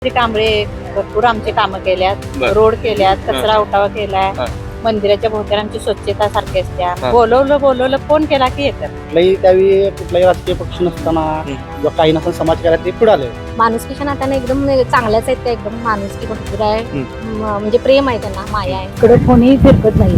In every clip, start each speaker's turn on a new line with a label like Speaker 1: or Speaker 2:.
Speaker 1: श्री कांबळे भरपूर आमची कामं केल्यात,
Speaker 2: बर.
Speaker 1: रोड केल्यात, कचरा उठावा केलाय, मंदिराच्या भोवत्याची स्वच्छता सारखी असत्या. बोलवलं फोन केला की येतात.
Speaker 3: कुठल्याही त्यावेळी कुठलाही राजकीय पक्ष नसताना किंवा काही नसताना समाज कार्यात ते पुढे आले.
Speaker 4: माणुसकीच्या नात्याने एकदम चांगल्याच आहेत त्या, एकदम माणुसकी भरपूर आहे, म्हणजे प्रेम आहे त्यांना, माया आहे.
Speaker 1: इकडे कोणीही फिरकत नाही,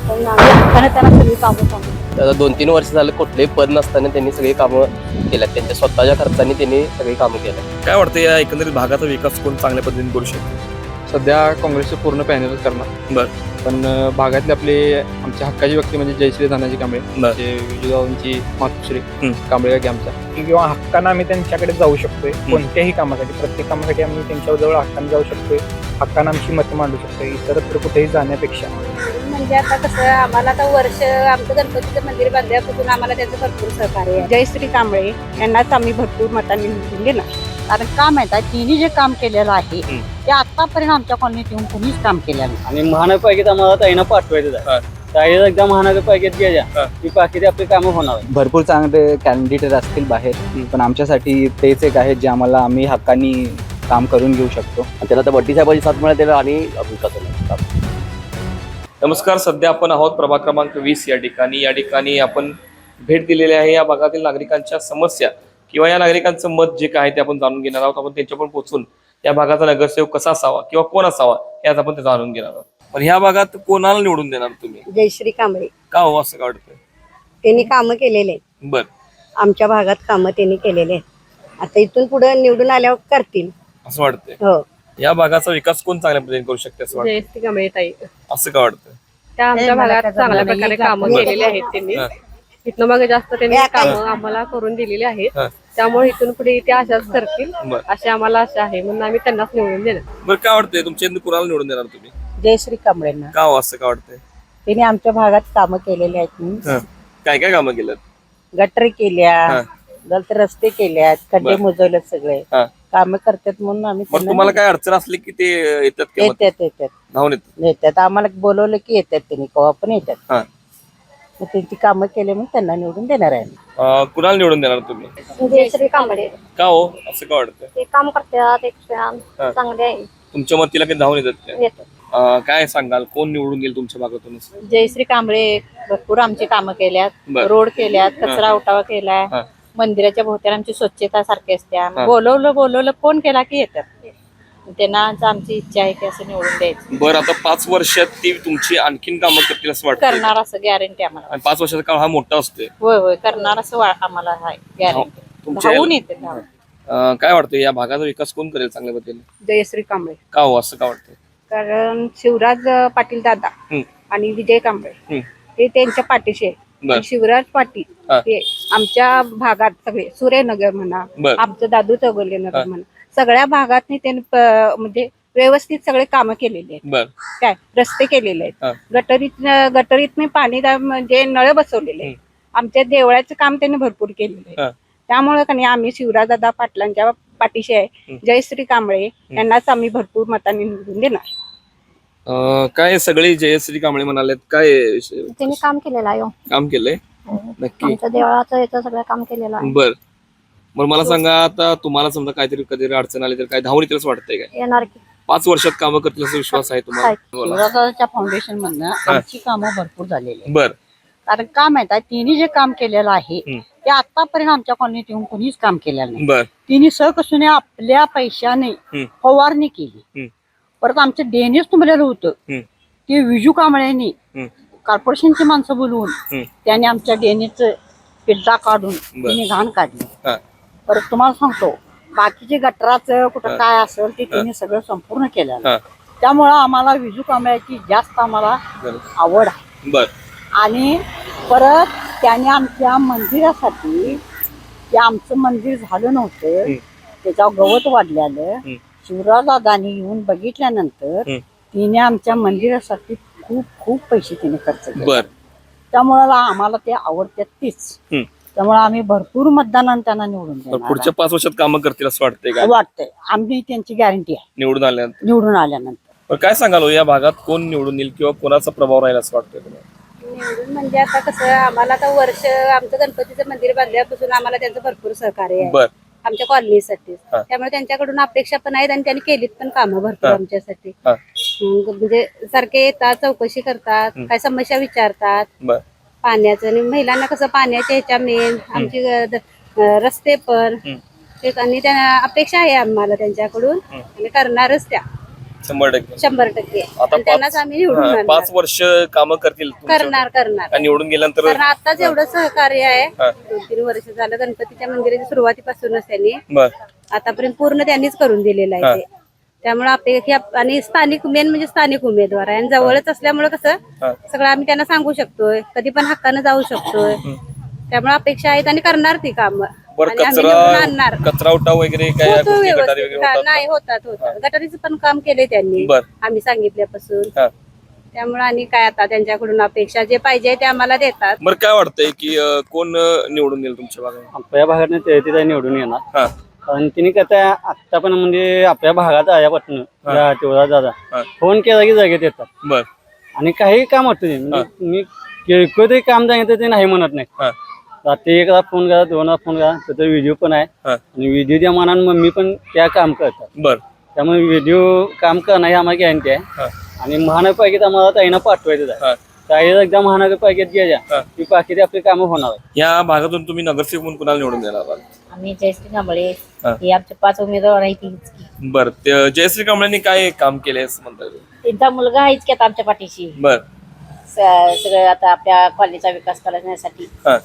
Speaker 1: त्यांना सगळी कामं सांगू.
Speaker 2: आता 2-3 वर्ष झालं कुठलेही पद नसताना त्यांनी सगळी कामं केल्यात, त्यांच्या स्वतःच्या खर्चाने त्यांनी सगळी कामं केल्यात. काय वाटतं या एकंदरीत भागाचा विकास कोण चांगल्या पद्धतीने करू शकतो?
Speaker 5: सध्या काँग्रेसचं पूर्ण पॅनल करणार.
Speaker 2: बर.
Speaker 5: पण भागातले आपले आमच्या हक्काची व्यक्ती म्हणजे जयश्री धनाजी कांबळे,
Speaker 2: बर.
Speaker 5: विजयगावांची मातोश्री कांबळे गावी आमच्या,
Speaker 6: किंवा हक्कानं आम्ही त्यांच्याकडे जाऊ शकतोय कोणत्याही कामासाठी, प्रत्येक कामासाठी आम्ही त्यांच्याजवळ हक्कानं जाऊ शकतोय, हक्कानं आमची मतं मांडू शकतोय इतरत्र कुठेही जाण्यापेक्षा.
Speaker 4: म्हणजे आता कसं आम्हाला आता वर्ष आमचं गणपतीचं मंदिर बांधल्यापासून आम्हाला त्याचं भरपूर सहकार्य आहे.
Speaker 1: जयश्री कांबळे यांनाच आम्ही भरपूर मतांनी निवडून देणार. कारण का माहित आहे, तिने जे काम केलेलं आहे ते आतापर्यंत आमच्या कॉलनीत येऊन कोणीच काम केलेलं नाही.
Speaker 3: आणि महानगरपालिकेत आम्हाला ताईंना पाठवायचं आहे. ताई एकदा महानगरपालिकेत गेल्या की बाकीची आपली कामं होणार.
Speaker 7: भरपूर चांगले कॅन्डिडेट असतील बाहेर, पण आमच्यासाठी तेच एक आहे जे आम्ही हक्कानी काम करून घेऊ शकतो.
Speaker 2: त्याला तर बड्डी साहेबांची साथ मिळाली आणि विकास. नमस्कार, सध्या आपण आहोत प्रभाग क्रमांक 20 या ठिकाणी आपण भेट दिलेली आहे. या भागातील नागरिकांच्या समस्या किंवा या नागरिकांचं मत जे काय ते आपण जाणून घेणार आहोत. आपण त्यांच्यापर्यंत पोहोचून या भागाचा नगरसेवक कसा असावा किंवा कोण असावा हे आज आपण ते जाणून घेणार आहोत. पण ह्या भागात कोणाला निवडून देणार तुम्ही?
Speaker 4: जयश्री कांबळे.
Speaker 2: का हो असं का वाटतंय?
Speaker 4: त्यांनी कामं केलेले आहेत,
Speaker 2: बर.
Speaker 4: आमच्या भागात कामं त्यांनी केलेले आहेत. आता इथून पुढे निवडून आल्यावर करतील
Speaker 2: असं वाटतंय.
Speaker 4: हो.
Speaker 2: या भागाचा विकास कोण चांगल्या पद्धतीने करू शकते असं वाटतं?
Speaker 1: जयश्री कांबळे ताई
Speaker 2: असं का वाटतं?
Speaker 1: त्या आमच्या भागात चांगल्या प्रकारे कामं केलेली आहेत त्यांनी. इथनं मग जास्त त्यांनी कामं आम्हाला करून दिलेली आहेत, त्यामुळे इथून पुढे ते अशाच करतील अशी आम्हाला आशा आहे, म्हणून आम्ही त्यांनाच निवडून देणार.
Speaker 2: बरं, काय वाटतंय तुमच्या इथून कुणाला निवडून देणार तुम्ही?
Speaker 1: जयश्री कांबळेंना.
Speaker 2: का हो असं का वाटतंय?
Speaker 1: त्यांनी आमच्या भागात कामं केलेली आहेत.
Speaker 2: काय काय कामं केलं?
Speaker 1: गटर केल्या, तर रस्ते केल्यात, खड्डे मुजवलेत, सगळे
Speaker 2: हा.
Speaker 1: कामं करतात म्हणून आम्ही
Speaker 2: मग तुम्हाला काय अडचण असली की ते येतात का मग?
Speaker 1: येतात
Speaker 2: धावून
Speaker 1: येतात. आम्हाला बोलवलं की येतात त्यांनी, केव्हा पण येतात.
Speaker 2: हा.
Speaker 1: मग त्यांची कामं केले म्हणून त्यांना निवडून देणार आहे.
Speaker 2: कुणाला निवडून देणार तुम्ही?
Speaker 4: जयश्री कांबळे.
Speaker 2: का हो असं का वाटतं?
Speaker 4: ते काम करतात, एक चांगले आहे.
Speaker 2: तुमच्या मतीला काही धावून येतात काय?
Speaker 4: येतात.
Speaker 2: काय सांगाल, कोण निवडून गेल तुमच्या भागातून?
Speaker 1: जयश्री कांबळे भरपूर आमची कामं केल्यात,
Speaker 2: बर.
Speaker 1: रोड केल्यात, कचरा उठावा केलाय, मंदिराच्या भोवत्याची स्वच्छता सारखी असत्या. बोलवलं फोन केला की येतात. त्यांना आमची इच्छा आहे की असं निवडून द्यायचं.
Speaker 2: बरं, आता 5 वर्षात ती तुमची आणखीन कामं करतील असं वाटतं?
Speaker 1: करणार असं गॅरंटी आम्हाला.
Speaker 2: आणि 5 वर्षाचा काळ हा मोठा असतोय.
Speaker 1: होय करणार असं आम्हाला आहे गॅरंटी.
Speaker 2: तुमच्या
Speaker 1: धावून येते.
Speaker 2: काय वाटतं या भागाचा विकास कोण करेल चांगल्या पद्धतीने?
Speaker 1: जयश्री कांबळे.
Speaker 2: का हो असं का वाटतं?
Speaker 1: कारण शिवराज पाटील दादा आणि विजय कांबळे हे त्यांच्या पाठीशी आहे.
Speaker 2: बर.
Speaker 1: शिवराज पाटील हे आमच्या भागात सगळे सूर्यनगर म्हणा, आमचं दादू चौगुले नगर म्हणा, सगळ्या भागात त्यांनी म्हणजे व्यवस्थित सगळे कामं केलेली आहेत.
Speaker 2: बर.
Speaker 1: काय रस्ते केलेले आहेत, गटरीत पाणी म्हणजे नळ बसवलेले आहेत. आमच्या देवळाचं काम त्यांनी भरपूर केलेलं आहे. त्यामुळे का नाही आम्ही शिवराजदादा पाटलांच्या पाठीशी आहे. जयश्री कांबळे यांनाच आम्ही भरपूर मतांनी निवडून देणार.
Speaker 2: काय सगळे जयश्री कांबळे म्हणालेत, काय
Speaker 4: त्यांनी काम केलेलं आहे.
Speaker 2: काम केलंय नक्की?
Speaker 4: आमच्या देवळाचं याचं सगळं काम केलेलं आहे.
Speaker 2: बर. मग मला सांगा, आता तुम्हाला समजा काहीतरी कधी अडचण आली तर काय धावून येतील असं वाटतंय काय?
Speaker 4: येणार की
Speaker 2: 5 वर्षात कामं करतील असा विश्वास आहे तुम्हाला?
Speaker 1: शिवराजाच्या फाउंडेशन मधनं आमची कामं भरपूर झालेली आहेत.
Speaker 2: बर.
Speaker 1: कारण का माहित आहे, तिने जे काम केलेलं आहे ते आतापर्यंत आमच्या कॉलनीत येऊन कोणीच काम केलेलं नाही.
Speaker 2: बर.
Speaker 1: तिने सहकसून आपल्या पैशाने फवारणी केली. परत आमचं देणेच तुंबलेलं होतं ते विजू कांबळेंनी कॉर्पोरेशनची माणसं बोलवून त्याने आमच्या देणेचं पिल्ला काढून तिने घाण काढली. परत तुम्हाला सांगतो, बाकीचे गटराचं कुठं काय असेल ते तिने सगळं संपूर्ण केलं. त्यामुळं आम्हाला विजू कांबळ्याची जास्त आम्हाला आवड आहे.
Speaker 2: बर.
Speaker 1: आणि परत त्याने आमच्या मंदिरासाठी, ते आमचं मंदिर झालं नव्हतं, त्याच्यावर गवत वाढलेलं, शिवराजदादांनी येऊन बघितल्यानंतर तिने आमच्या मंदिरासाठी खूप खूप पैसे तिने खर्च केले. त्यामुळे आम्हाला ते आवडतात तीच. त्यामुळे आम्ही भरपूर मतदानाने त्यांना निवडून देणार.
Speaker 2: पुढच्या 5 वर्षात कामं करतील असं वाटतंय का?
Speaker 1: वाटतंय, आम्ही त्यांची गॅरंटी आहे
Speaker 2: निवडून
Speaker 1: आल्यानंतर.
Speaker 2: काय सांगाल या भागात कोण निवडून येईल किंवा कोणाचा प्रभाव राहील असं वाटतंय तुम्हाला?
Speaker 4: निवडून म्हणजे आता कसं आम्हाला आता वर्ष आमचं गणपतीचं मंदिर बांधल्यापासून आम्हाला त्यांचं भरपूर सहकार्य आहे. आमच्या कॉलनीसाठी.
Speaker 2: हा.
Speaker 4: त्यामुळे त्यांच्याकडून अपेक्षा पण आहेत आणि त्यांनी केलीत पण कामं भरपूर
Speaker 2: हा.
Speaker 4: आमच्यासाठी.
Speaker 2: हा.
Speaker 4: म्हणजे सारखे येतात, चौकशी करतात, काय समस्या विचारतात
Speaker 2: बर
Speaker 4: पाण्याचं. आणि महिलांना कसं पाण्याच्या ह्याच्या मेन आमची रस्ते पण तेच. आणि त्या अपेक्षा आहे आम्हाला त्यांच्याकडून आणि करणारच त्या
Speaker 2: 100%.
Speaker 4: 100%.
Speaker 2: आता
Speaker 4: आणि त्यांनाच आम्ही निवडून
Speaker 2: 5
Speaker 4: आणणार.
Speaker 2: वर्ष कामं करतील तुमच्या-
Speaker 4: करणार
Speaker 2: आणि निवडून गेल्यानंतर
Speaker 4: कारण आताच एवढं सहकार्य आहे.
Speaker 2: हा.
Speaker 4: 2-3 वर्ष झालं गणपतीच्या मंदिराच्या सुरुवातीपासूनच त्यांनी
Speaker 2: बर
Speaker 4: आतापर्यंत पूर्ण त्यांनीच करून दिलेलं
Speaker 2: हा.
Speaker 4: आहे ते. त्यामुळे अपेक्षा आणि स्थानिक मेन म्हणजे स्थानिक उमेदवार आहे आणि जवळच असल्यामुळे कसं
Speaker 2: हा.
Speaker 4: सगळं आम्ही त्यांना सांगू शकतोय, कधी पण हक्कानं जाऊ शकतोय. त्यामुळे अपेक्षा आहेत आणि करणार ती कामं
Speaker 2: बर
Speaker 4: आणि आम्ही निवडून आणणार.
Speaker 2: कचरा उठाव वगैरे काय
Speaker 4: होतो
Speaker 2: गोष्टी, गटारी
Speaker 4: व्यवस्थित.
Speaker 2: वगैरे होतात
Speaker 4: नाही होतात. गटारीचं पण काम केलंय त्यांनी
Speaker 2: बर.
Speaker 4: आम्ही सांगितल्यापासून.
Speaker 2: हा.
Speaker 4: त्यामुळे आणि काय आता त्यांच्याकडून अपेक्षा जे पाहिजे ते आम्हाला देतात.
Speaker 2: बरं काय वाटतंय की कोण निवडून येईल तुमच्या भागात?
Speaker 3: आपल्या भागात ते निवडून येणार.
Speaker 2: हा.
Speaker 3: कारण तिने कसं आता पण म्हणजे आपल्या भागात आल्यापासून तेवढा दादा
Speaker 2: हा.
Speaker 3: फोन केला की जागेत येतात.
Speaker 2: बर
Speaker 3: आणि काही काम होतं ते. म्हणजे मी किरकोळ काम सांगितलं ते नाही म्हणत नाही.
Speaker 2: हा.
Speaker 3: रात्री एकदा फोन करा, 2दा फोन करा, त्याचा व्हिडिओ पण आहे.
Speaker 2: हा.
Speaker 3: आणि व्हिडिओच्या मानानं मम्मी पण त्या काम करतात.
Speaker 2: बर
Speaker 3: त्यामुळे व्हिडिओ काम करणं ही आम्हाला गॅरंटी आहे.
Speaker 2: हा.
Speaker 3: आणि महानगरपालिकेत आम्हाला ताईंना पाठवायचं आहे.
Speaker 2: हा.
Speaker 3: ताईला एकदा महानगरपालिकेत गेल्या की बाकीची आपली कामं होणार आहे.
Speaker 2: या भागातून तुम्ही नगरसेवक म्हणून कुणाला निवडून देणार आहात?
Speaker 8: आम्ही जयश्री कांबळे
Speaker 2: हा.
Speaker 8: हे आमचे 5 उमेदवार आहेत तीच की.
Speaker 2: बर जयश्री कांबळेंनी काय काम केलंय असं म्हणतात?
Speaker 8: त्यांचा मुलगा आहेच की आता आमच्या पाठीशी.
Speaker 2: बर
Speaker 8: सगळं आता आपल्या कॉलेजचा विकास करण्यासाठी
Speaker 2: हा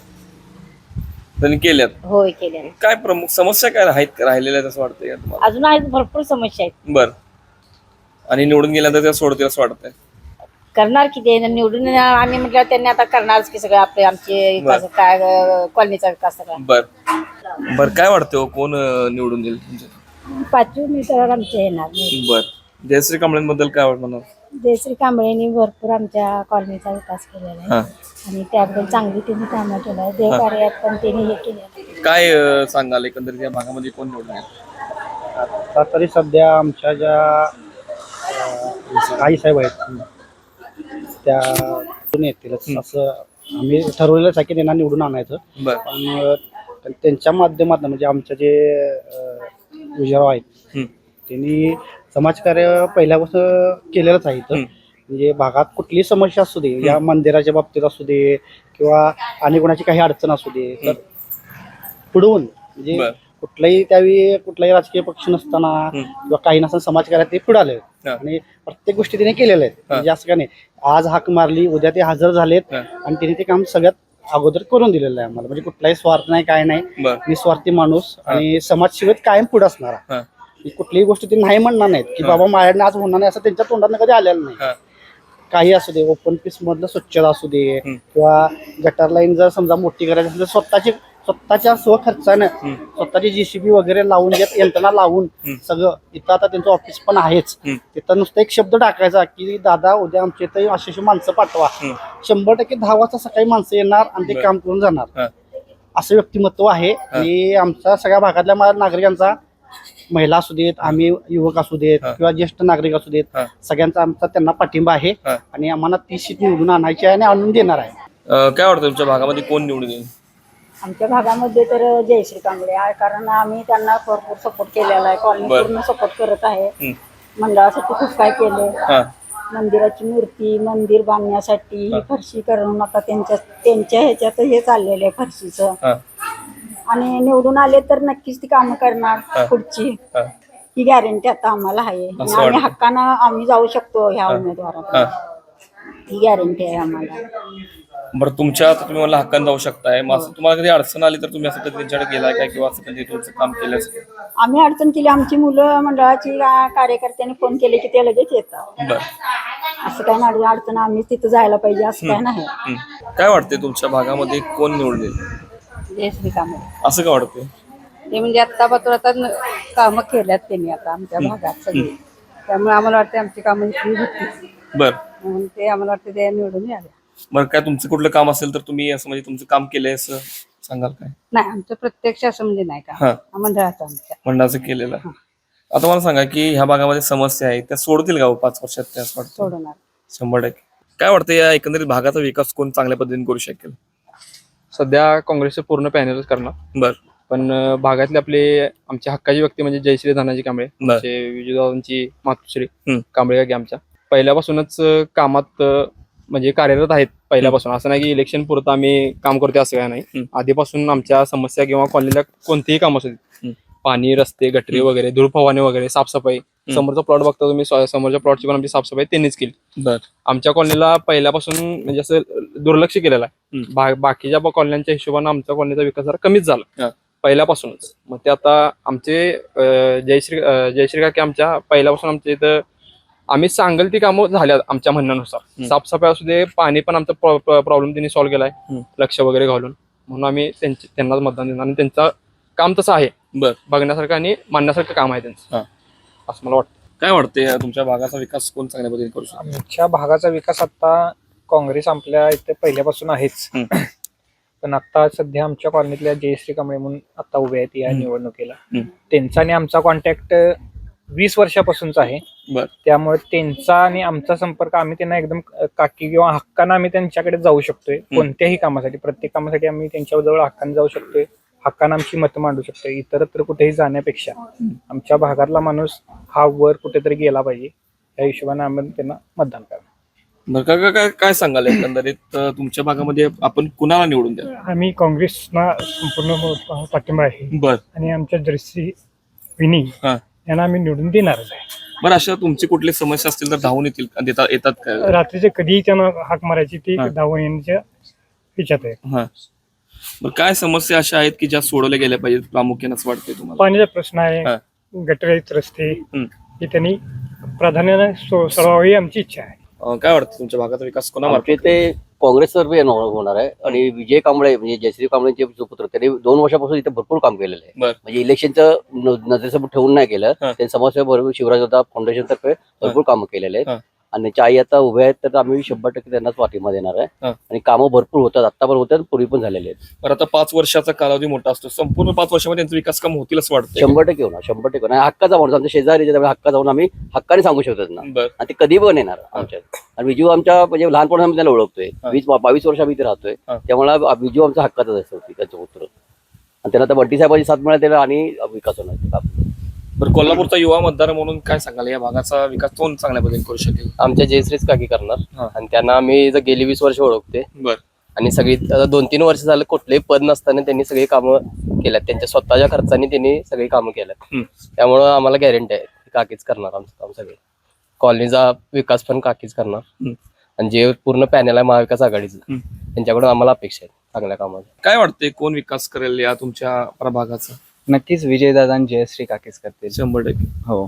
Speaker 2: त्यांनी केल्यात.
Speaker 8: होय केले.
Speaker 2: काय प्रमुख समस्या काय राहिलेल्या आहेत असं वाटतंय का तुम्हाला?
Speaker 8: अजून आहेत भरपूर समस्या आहेत.
Speaker 2: बर आणि निवडून गेल्यानंतर त्या सोडतील असं वाटतंय?
Speaker 8: करणार की ते निवडून आम्ही म्हटलं त्यांनी आता करणारच की सगळं आपले आमचे विकास काय कॉलनीचा विकास सगळा.
Speaker 2: बर काय वाटतं हो, कोण निवडून येईल तुमच्या?
Speaker 8: 5 उमेदवार आमचे येणार.
Speaker 2: बर जयश्री कांबळेंबद्दल काय म्हणणार?
Speaker 8: जयश्री कांबळेंनी भरपूर आमच्या कॉलनीचा विकास केलेला आहे.
Speaker 2: हा.
Speaker 8: आणि त्याबद्दल चांगली त्यांनी कामं केलं आहे. देवकार्यात पण त्यांनी हे केलं.
Speaker 2: काय सांगाल एकंदरीत या भागामध्ये कोण निवडून येईल?
Speaker 6: आता तरी सध्या आमच्या ज्या आई साहेब आहेत त्या निवडून येतीलच असं आम्ही ठरवलेलंच आहे की त्यांना निवडून आणायचं.
Speaker 2: बर
Speaker 6: पण त्यांच्या माध्यमातून म्हणजे आमच्या जे विजयराव आहेत त्यांनी समाजकार्य पहिल्यापासून केलेलंच आहे इथं. म्हणजे भागात कुठलीही समस्या असू दे, या मंदिराच्या बाबतीत असू दे किंवा आणि कोणाची काही अडचण असू दे, तर पुढवून म्हणजे कुठलाही राजकीय पक्ष नसताना किंवा काही नसताना समाजकार्यात ते पुढे आले आणि प्रत्येक गोष्टी तिने केलेल्या आहेत. म्हणजे असं का नाही आज हाक मारली उद्या ते हजर झालेत आणि तिने ते काम सगळ्यात अगोदर करून दिलेलं आहे आम्हाला. म्हणजे कुठलाही स्वार्थ नाही, काय नाही, निस्वार्थी माणूस आणि समाजसेवेत कायम पुढे असणारा. कुठलीही गोष्ट ते नाही म्हणणार नाहीत की बाबा माझ्याने आज होणार नाही असं त्यांच्या तोंडात कधी आलेलं नाही. काही असू दे, ओपन पीस मधलं स्वच्छता असू दे किंवा गटर लाईन जर समजा मोठी करायची असेल तर स्वतःच्या स्वखर्चानं स्वतःची JCB वगैरे लावून यंत्रणा लावून सगळं. इथं आता त्यांचं ऑफिस पण आहेच. तिथं नुसतं एक शब्द टाकायचा की दादा उद्या आमच्या इथं अशी माणसं पाठवा, 100% 10 वाजता सकाळी माणसं येणार आणि ते काम करून जाणार. असं व्यक्तिमत्व आहे. आणि आमच्या सगळ्या भागातल्या नागरिकांचा, महिला असू देत, आम्ही युवक असू देत किंवा ज्येष्ठ नागरिक असू देत, सगळ्यांचा आमचा त्यांना पाठिंबा आहे आणि आम्हाला ती सीट निवडून आणायची आहे आणि आणून देणार आहे.
Speaker 2: काय वाटतं तुमच्या भागामध्ये कोण निवडून येईल?
Speaker 8: आमच्या भागामध्ये तर जयश्री कांबळे आहे. कारण आम्ही त्यांना भरपूर सपोर्ट केलेला आहे. कॉलनी पूर्ण सपोर्ट करत आहे. मंडळासाठी खूप काय केलं. मंदिराची मूर्ती, मंदिर बांधण्यासाठी फरशी करून आता त्यांच्या ह्याच्यात हे चाललेलं आहे फरशीचं. आणि निवडून आले तर नक्कीच ती कामं करणार पुढची. ही गॅरंटी आता आम्हाला आहे आणि आम्ही हक्कानं आम्ही जाऊ शकतो ह्या उमेदवारात. ही गॅरंटी आहे आम्हाला.
Speaker 2: बरं तुमच्या आता तुम्ही मला हक्कान जाऊ शकताय. मग असं तुम्हाला कधी अडचण आली तर तुम्ही असं कधी त्यांच्याकडे गेलाय काय किंवा असं कधी तुमचं काम केलं?
Speaker 8: आम्ही अडचण केली. आमची मुलं मंडळाची कार्यकर्त्यांनी फोन केले की ते लगेच येतात. असं काय नाही अडचण आम्ही तिथं जायला पाहिजे असं काय नाही.
Speaker 2: काय वाटतंय तुमच्या भागामध्ये कोण निवडून येईल?
Speaker 8: जयश्री कांबळे.
Speaker 2: असं काय वाटतंय?
Speaker 4: ते म्हणजे आता कामं केल्यात त्यांनी आता आमच्या भागात सगळी. त्यामुळे आम्हाला वाटतं आमची कामं इथली होती.
Speaker 2: बर
Speaker 4: म्हणून ते आम्हाला वाटतं ते निवडून यावे.
Speaker 2: बरं काय तुमचं कुठलं काम असेल तर तुम्ही असं म्हणजे तुमचं काम केलंय असं सांगाल काय?
Speaker 4: नाही आमचं प्रत्यक्ष असं म्हणजे नाही का मंडळाचं आमच्या
Speaker 2: मंडळाचं केलेलं. आता मला सांगा की ह्या भागामध्ये समस्या आहेत त्या सोडतील का 5 वर्षात? त्या असं वाटतं
Speaker 4: सोडणार
Speaker 2: 100%. काय वाटतं या एकंदरीत भागाचा विकास कोण चांगल्या पद्धतीने करू शकेल?
Speaker 5: सध्या काँग्रेसचं पूर्ण पॅनलच करणार.
Speaker 2: बर
Speaker 5: पण भागातले आपले आमचे हक्काचे व्यक्ती म्हणजे जयश्री धनाजी कांबळे, आमचे विजयदादांची मातोश्री कांबळे काकी आमच्या पहिल्यापासूनच कामात म्हणजे कार्यरत आहेत पहिल्यापासून. असं नाही की इलेक्शन पुरतं आम्ही काम करतो असं काय नाही. आधीपासून आमच्या समस्या किंवा कॉलनीला कोणतीही काम असू देत, पाणी, रस्ते, गटरी वगैरे, धूळ फवारणी वगैरे, साफसफाई, समोरचा प्लॉट बघता तुम्ही, समोरच्या प्लॉटची पण आमची साफसफाई त्यांनीच केली. आमच्या कॉलनीला पहिल्यापासून म्हणजे असं दुर्लक्ष केलेलं आहे. बाकीच्या कॉलन्यांच्या हिशोबाने आमच्या कॉलनीचा विकास जरा कमीच झाला पहिल्यापासूनच. मग ते आता आमचे जयश्री काकी आमच्या पहिल्यापासून आमच्या इथं आम्ही सांगेल ती कामं झाल्या आमच्या म्हणण्यानुसार. साफसफाई असू दे, पाणी पण आमचा प्रॉब्लेम त्यांनी सॉल्व्ह केलाय लक्ष वगैरे घालून. म्हणून आम्ही त्यांनाच मतदान देणार आणि त्यांचं काम तसं आहे बघण्यासारखं आणि मानण्यासारखं काम आहे त्यांचं, असं मला वाटतं.
Speaker 2: काय वाटतंय तुमच्या भागाचा विकास कोण चांगल्या पद्धतीने करू शकतो?
Speaker 9: आमच्या भागाचा विकास आता काँग्रेस आपल्या इथे पहिल्यापासून आहेच, पण आता सध्या आमच्या कॉलनीतल्या जयश्री कांबळे म्हणून आता उभे आहेत या निवडणुकीला. त्यांचा आणि आमचा कॉन्टॅक्ट 20 वर्षापासूनचा आहे. त्यामुळे त्यांचा आणि आमचा संपर्क, आम्ही त्यांना एकदम काकी किंवा हक्कानं आम्ही त्यांच्याकडे जाऊ शकतोय कोणत्याही कामासाठी. प्रत्येक कामासाठी आम्ही त्यांच्याजवळ हक्काने जाऊ शकतोय, हक्कानं आमची मतं मांडू शकतोय. इतरत्र कुठेही जाण्यापेक्षा आमच्या भागातला माणूस हा वर कुठेतरी गेला पाहिजे, या हिशोबाने आम्ही त्यांना मतदान करणार.
Speaker 2: काय सांगाल एकंदरीत तुमच्या भागामध्ये आपण कुणाला निवडून द्या?
Speaker 9: आम्ही काँग्रेसना संपूर्ण पाठिंबा आहे आणि आमच्या जयश्री विनी यांना आम्ही निवडून देणारच आहे.
Speaker 2: बरं, अशा तुमची कुठली समस्या असतील तर धावून येतात काय?
Speaker 9: रात्रीचे कधीही त्यांना हाक मारायची, ती धावून येण्याच्या ह्याच्यात आहे.
Speaker 2: बरं, काय समस्या अशा आहेत की ज्या सोडवल्या गेल्या पाहिजेत प्रामुख्याने असं वाटतंय तुम्हाला?
Speaker 9: पाण्याचा प्रश्न आहे, गटरीत रस्ते, हे त्यांनी प्राधान्याने सोडवावी ही आमची इच्छा आहे.
Speaker 2: काय वाटतं तुमच्या भागाचा विकास कोणामार्फत?
Speaker 10: ते काँग्रेस तर्फे होणार आहे आणि विजय कांबळे म्हणजे जयश्री कांबळेंचे सुपुत्र, त्यांनी 2 वर्षापासून इथे भरपूर काम केलेलं आहे. म्हणजे इलेक्शनचं नजरेसमोर ठेवून नाही केलं, त्यांनी समाजसेवा भरपूर शिवराज दादा फाउंडेशन तर्फे भरपूर कामं केलेले आहेत. आणि त्यांच्या आई आता उभ्या आहेत, तर आम्ही 100% त्यांनाच पाठिंबा देणार आहे. आणि कामं भरपूर होतात, आता पण होतात, पूर्वी पण झालेले आहेत.
Speaker 2: बरं, आता 5 वर्षाचा कालावधी मोठा असतो, संपूर्ण 5 वर्षामध्ये त्यांचा विकास काम होतील असं वाटतं?
Speaker 10: 100% होणार, 100% होणार. हक्काचा माणूस आमच्या शेजारी, हक्का जाऊन आम्ही हक्काने सांगू शकतो त्यांना, आणि ते कधी पण येणार आमच्यात. आणि विजू आमच्या म्हणजे लहानपणा आम्ही त्याला ओळखतोय, 22 वर्ष आम्ही इथे राहतोय, त्यामुळे विजू आमचा हक्काचाच असतो, त्याचं पुत्र. आणि त्यांना आता बड्डी साहेबांची साथ मिळाली आणि विकास होणार.
Speaker 2: बरं, कोल्हापूरचा युवा मतदार म्हणून काय सांगाल या भागाचा विकास कोण चांगल्या पद्धतीने करू शकेल?
Speaker 7: आमच्या जयश्रीच काकी करणार आणि त्यांना आम्ही गेली 20 वर्ष ओळखते. आणि सगळी 2-3 वर्ष झालं कुठलेही पद नसताना त्यांनी सगळी कामं केल्यात, त्यांच्या स्वतःच्या खर्चाने त्यांनी सगळी कामं केल्यात. त्यामुळं आम्हाला गॅरंटी आहे काकीच करणार आमचं काम. सगळे कॉलनीचा विकास पण काकीच करणार आणि जे पूर्ण पॅनल आहे महाविकास आघाडीचं, त्यांच्याकडून आम्हाला अपेक्षा आहे चांगल्या कामाचा.
Speaker 2: काय वाटतंय कोण विकास करेल या तुमच्या प्रभागाचा?
Speaker 7: नक्कीच विजयदादा आणि जयश्री काकीच करतील.
Speaker 2: 100%.
Speaker 7: हो.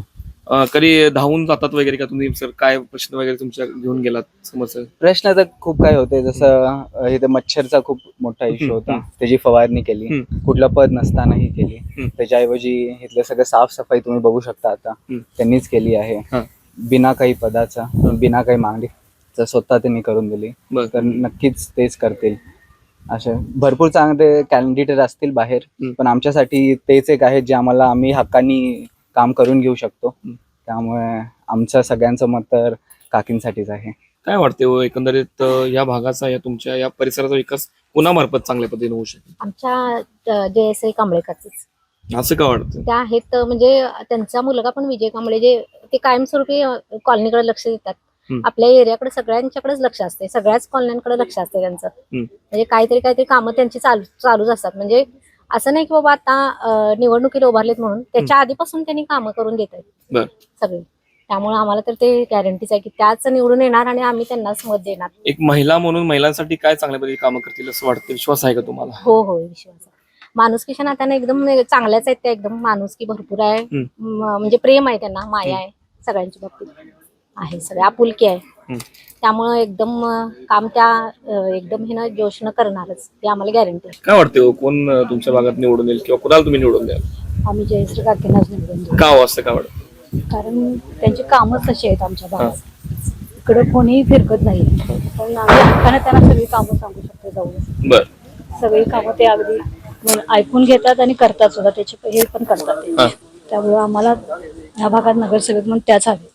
Speaker 2: कधी धावून जातात वगैरे का तुम्ही? सर, काय प्रश्न वगैरे तुमच्या घेऊन गेलात समस्या?
Speaker 7: प्रश्न तर खूप काय होते, जसं इथे मच्छरचा खूप मोठा इश्यू होता, त्याची फवारणी केली, कुठलं पद नसतानाही केली. त्याच्याऐवजी इथलं सगळं साफसफाई तुम्ही बघू शकता आता त्यांनीच केली आहे, बिना काही पदाचा, बिना काही मागणी स्वतः त्यांनी करून दिली. तर नक्कीच तेच करतील. असे भरपूर चांगले कॅन्डिडेट असतील बाहेर, पण आमच्यासाठी तेच एक आहे जे आम्ही हक्कानी काम करून घेऊ शकतो. त्यामुळे आमचं सगळ्यांचं मत तर काकींसाठीच आहे.
Speaker 2: काय वाटते एकंदरीत या भागाचा, या तुमच्या या परिसराचा विकास कोणामार्फत चांगल्या पद्धतीने होऊ शकेल?
Speaker 11: आमच्या जयश्री कांबळे काकीच.
Speaker 2: असं का वाटतं?
Speaker 11: त्या आहेत, म्हणजे त्यांचा मुलगा पण विजय कांबळे, जे ते कायमस्वरूपी कॉलनीकडे लक्ष देतात. आपल्या एरियाकडे सगळ्यांच्याकडेच लक्ष असते, सगळ्याच कॉलन्यांकडे लक्ष असते त्यांचं. म्हणजे काहीतरी कामं त्यांची चालूच असतात. म्हणजे असं नाही की बाबा आता निवडणुकीला उभारलेत म्हणून, त्याच्या आधीपासून त्यांनी कामं करून देत आहेत सगळी. त्यामुळे आम्हाला तर ते गॅरंटीच आहे की त्याच निवडून येणार आणि आम्ही त्यांनाच मत देणार.
Speaker 2: एक महिला म्हणून महिलांसाठी काय चांगल्या पद्धतीने कामं करतील असं वाटतं? विश्वास आहे का तुम्हाला?
Speaker 11: हो, विश्वास आहे. माणुसकीच्या नात्याने एकदम चांगल्याच आहेत त्या, एकदम माणुसकी भरपूर आहे, म्हणजे प्रेम आहे त्यांना, माया आहे सगळ्यांच्या बाबतीत आहे, सगळे आपुलकी आहे. त्यामुळे एकदम काम त्या एकदम हे ना जोशनं करणारच, ते आम्हाला गॅरंटी आहे.
Speaker 2: काय वाटतं कोण तुमच्या भागात निवडून येईल किंवा कुणाला तुम्ही निवडून द्याल?
Speaker 11: आम्ही जयश्री काकींनाच निवडून देऊ.
Speaker 2: का असं का वाटतं?
Speaker 8: कारण त्यांची कामच तशी आहेत आमच्या भागात, इकडं कोणीही फिरकत नाही, पण आम्ही हक्कानं त्यांना सगळी कामं सांगू शकतो जाऊन. सगळी कामं ते अगदी ऐकून घेतात आणि करतात सुद्धा, त्याचे हे पण करतात. त्यामुळे आम्हाला या भागात नगरसेवक म्हणून त्याच हवे.